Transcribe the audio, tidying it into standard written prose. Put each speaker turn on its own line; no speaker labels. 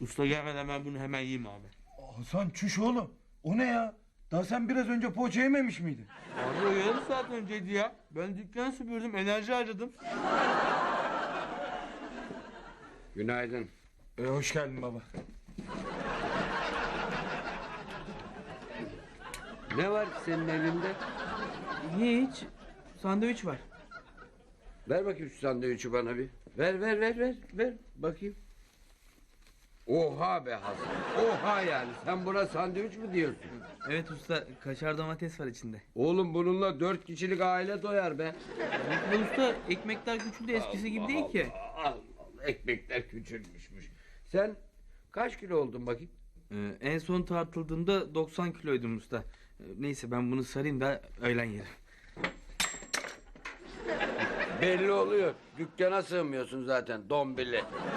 Usta gelmeden ben bunu hemen yiyeyim abi.
Hasan çüş oğlum. O ne ya? Daha sen biraz önce poğaça yememiş miydin?
Abi o yarım saat önceydi ya. Ben dükkanı süpürdüm, enerji harcadım.
Günaydın.
Hoş geldin baba.
Ne var senin elinde?
Hiç. Sandviç var.
Ver bakayım şu sandviçi bana bir. Ver bakayım. Oha be Hasan. Oha yani. Sen buna sandviç mi diyorsun?
Evet usta, kaşar domates var içinde.
Oğlum bununla 4 kişilik aile doyar be.
Evet usta, ekmekler küçüldü, eskisi gibi değil ki.
Allah Allah, ekmekler küçülmüşmüş. Sen kaç kilo oldun bakayım?
En son tartıldığımda 90 kiloydum usta. Neyse ben bunu sarayım da öğlen yerim.
Belli oluyor. Dükkana sığmıyorsun zaten dombili.